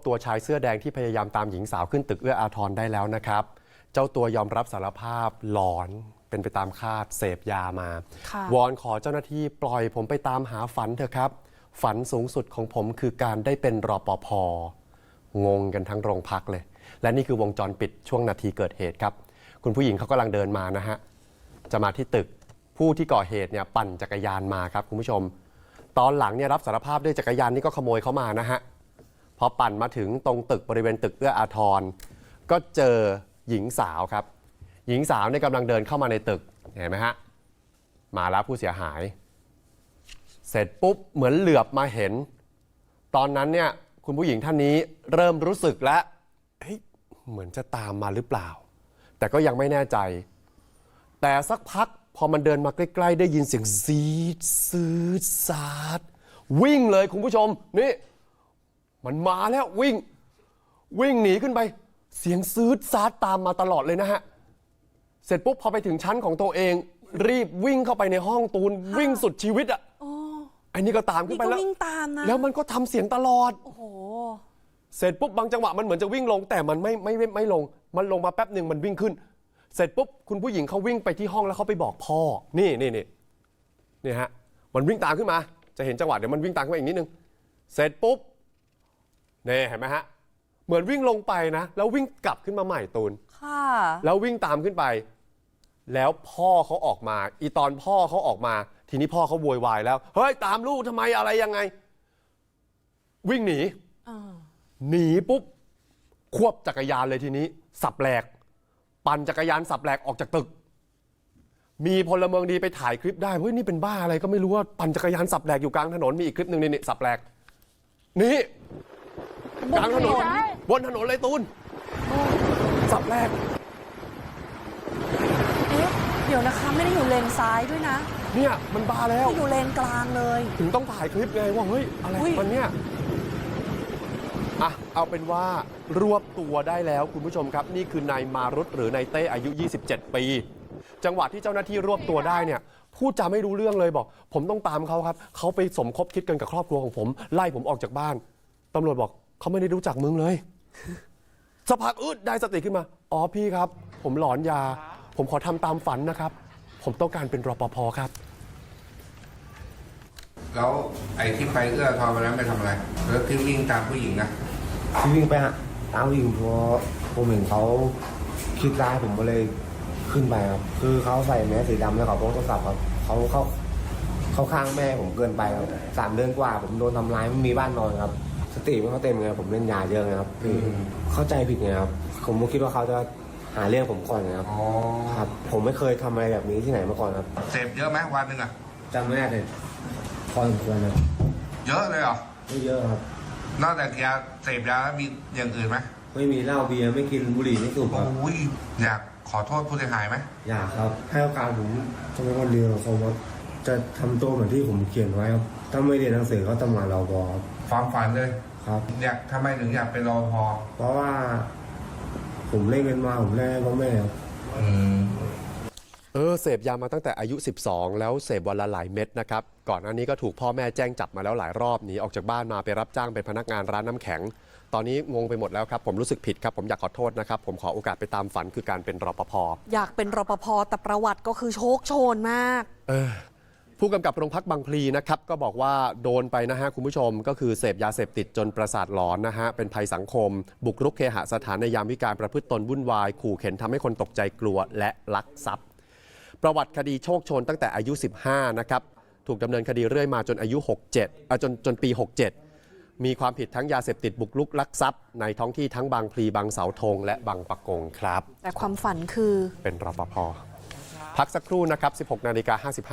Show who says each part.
Speaker 1: ตัวชายเสื้อแดงที่พยายามตามหญิงสาวขึ้นตึกเอื้ออาทรได้แล้วนะครับเจ้าตัวยอมรับสารภาพหลอนเป็นไปตามคาดเสพยามาวอนขอเจ้าหน้าที่ปล่อยผมไปตามหาฝันเถอะครับฝันสูงสุดของผมคือการได้เป็นรปภ.งงกันทั้งโรงพักเลยและนี่คือวงจรปิดช่วงนาทีเกิดเหตุครับคุณผู้หญิงเขากำลังเดินมานะฮะจะมาที่ตึกผู้ที่ก่อเหตุเนี่ยปั่นจักรยานมาครับคุณผู้ชมตอนหลังเนี่ยรับสารภาพด้วยจักรยานนี่ก็ขโมยเข้ามานะฮะพอปั่นมาถึงตรงตึกบริเวณตึกเอื้ออาทรก็เจอหญิงสาวครับหญิงสาวเนี่ยกำลังเดินเข้ามาในตึกเห็นไหมฮะมาแล้วผู้เสียหายเสร็จปุ๊บเหมือนเหลือบมาเห็นตอนนั้นเนี่ยคุณผู้หญิงท่านนี้เริ่มรู้สึกแล้วเหมือนจะตามมาหรือเปล่าแต่ก็ยังไม่แน่ใจแต่สักพักพอมันเดินมาใกล้ๆได้ยินเสียงซีดซืดซาดวิ่งเลยคุณผู้ชมนี่มันมาแล้ววิ่งหนีขึ้นไปเสียงซืดซาดตามมาตลอดเลยนะฮะเสร็จปุ๊บพอไปถึงชั้นของตัวเองรีบวิ่งเข้าไปในห้องตูนวิ่งสุดชีวิตอ่ะอันนี้ก็ตามขึ้นไปแล้วแล้วมันก็ทำเสียงตลอดโอ้โหเสร็จปุ๊บบางจังหวะมันเหมือนจะวิ่งลงแต่มันไม่ลงมันลงมาแป๊บหนึ่งมันวิ่งขึ้นเสร็จปุ๊บคุณผู้หญิงเขาวิ่งไปที่ห้องแล้วเขาไปบอกพ่อนี่ฮะมันวิ่งตามขึ้นมาจะเห็นจังหวะเดี๋ยวมันวิ่งตามขึ้นมาอีกนิดนึงเสร็จปุ๊บนี่เห็นไหมฮะเหมือนวิ่งลงไปนะแล้ววิ่งกลับขึ้นมาใหม่ตูนค่ะแล้ววิ่งตามขึ้นไปแล้วพ่อเขาออกมาอีตอนพ่อเขาออกมาทีนี้พ่อเขาโวยวายแล้วเฮ้ยตามลูกทำไมอะไรยังไงวิ่งหนีปุ๊บควบจักรยานเลยทีนี้สับแหลกปั่นจักรยานสับแหลกออกจากตึกมีพลเมืองดีไปถ่ายคลิปได้เฮ้ยนี่เป็นบ้าอะไรก็ไม่รู้ว่าปั่นจักรยานสับแหลกอยู่กลางถนนมีอีกคลิปหนึ่งนี่สับแหลกนี่กลางถนนบนถนนเลยตูนสับแหลก
Speaker 2: เดี๋ยวนะคะไม่ได้อยู่เลนซ้ายด้วยนะ
Speaker 1: เนี่ยมันบ้าแล้ว
Speaker 2: อยู่เลนกลางเลย
Speaker 1: ถึงต้องถ่ายคลิปไงว่าเฮ้ยอะไรมันเนี่ยเอาเป็นว่ารวบตัวได้แล้วคุณผู้ชมครับนี่คือนายมารุตหรือนายเต้อายุ27 ปีจังหวะที่เจ้าหน้าที่รวบตัวได้เนี่ยพูดจาไม่รู้เรื่องเลยบอกผมต้องตามเขาครับเขาไปสมคบคิดกันกับครอบครัวของผมไล่ผมออกจากบ้านตำรวจบอกเขาไม่ได้รู้จักมึงเลยสักพักได้สติขึ้นมาอ๋อพี่ครับผมหลอนยาผมขอทำตามฝันนะครับผมต้องการเป็นรปภ.ครับ
Speaker 3: แล้วไอ้ที่ไปเอื้อทอไปแล้วไปทำอะไรแล้วที่วิ่งตามผู้หญิงนะ
Speaker 4: ที่วิ่งไปตามผู้หญิงเพราะผมเห็นเขาคิดร้ายผมก็เลยขึ้นไปครับคือเขาใส่แมสสีดำแล้วเขาพกโทรศัพท์ครับเขาข้างแม่ผมเกินไปครับ3 เดือนกว่าผมโดนทำร้ายไม่มีบ้านนอนครับสติไม่เขาเต็มไงผมเล่นยาเยอะไงครับเข้าใจผิดไงครับผมคิดว่าเขาจะหาเรื่องผมก่อนนะครับครับผมไม่เคยทำอะไรแบบนี้ที่ไหนมาก่อนครับ
Speaker 3: เสพเยอะไหมวันหนึ่ง
Speaker 4: จำไม่ได้เลยพอสมควรนะ
Speaker 3: เยอะเลยเหรอ
Speaker 4: ไม่เยอะครับ
Speaker 3: นอกจากยาเสพยาแล้วมีอย่างอื่นไหม
Speaker 4: ไม่มีเหล้าเบียร์ไม่กินบุหรี่ไม่สูบครับ
Speaker 3: อยากขอโทษผู้เสียหายไหม
Speaker 4: อยากครับให้โอกาสผมจะเป็นคนเดียวเขาว่าจะทำตัวเหมือนที่ผมเขียนไว้ครับถ้าไม่เรียนหนังสือเขาตำรวจเราบอ
Speaker 3: ความฝันเลย
Speaker 4: ครับ
Speaker 3: อยากทำไมถึงอยากเป็นรปภ.
Speaker 4: เพราะว่าผมเล่นเงินมาผมเล่นพ่อแม่ครับ
Speaker 1: เสพยามาตั้งแต่อายุ12แล้วเสพวันละหลายเม็ดนะครับก่อนหน้านี้ก็ถูกพ่อแม่แจ้งจับมาแล้วหลายรอบหนีออกจากบ้านมาไปรับจ้างเป็นพนักงานร้านน้ำแข็งตอนนี้งงไปหมดแล้วครับผมรู้สึกผิดครับผมอยากขอโทษนะครับผมขอโอกาสไปตามฝันคือการเป็นรปภ.
Speaker 2: อยากเป็นรปภ.แต่ประวัติก็คือโชคโชนมาก
Speaker 1: ผู้กำกับโรงพักบางพลีนะครับก็บอกว่าโดนไปนะฮะคุณผู้ชมก็คือเสพยาเสพติดจนประสาทหลอนนะฮะเป็นภัยสังคมบุกรุกเคหสถานในยามวิกาลประพฤติตนวุ่นวายขู่เข็นทำให้คนตกใจกลัวและลักทรัพย์ประวัติคดีโชคโชนตั้งแต่อายุ15นะครับถูกดำเนินคดีเรื่อยมาจนอายุจนปี67มีความผิดทั้งยาเสพติดบุกรุกลักทรัพย์ในท้องที่ทั้งบางพลีบางเสาธงและบางปะกงครับ
Speaker 2: แต่ความฝันคือ
Speaker 1: เป็นรปภ.พักสักครู่นะครับ 16:55 น.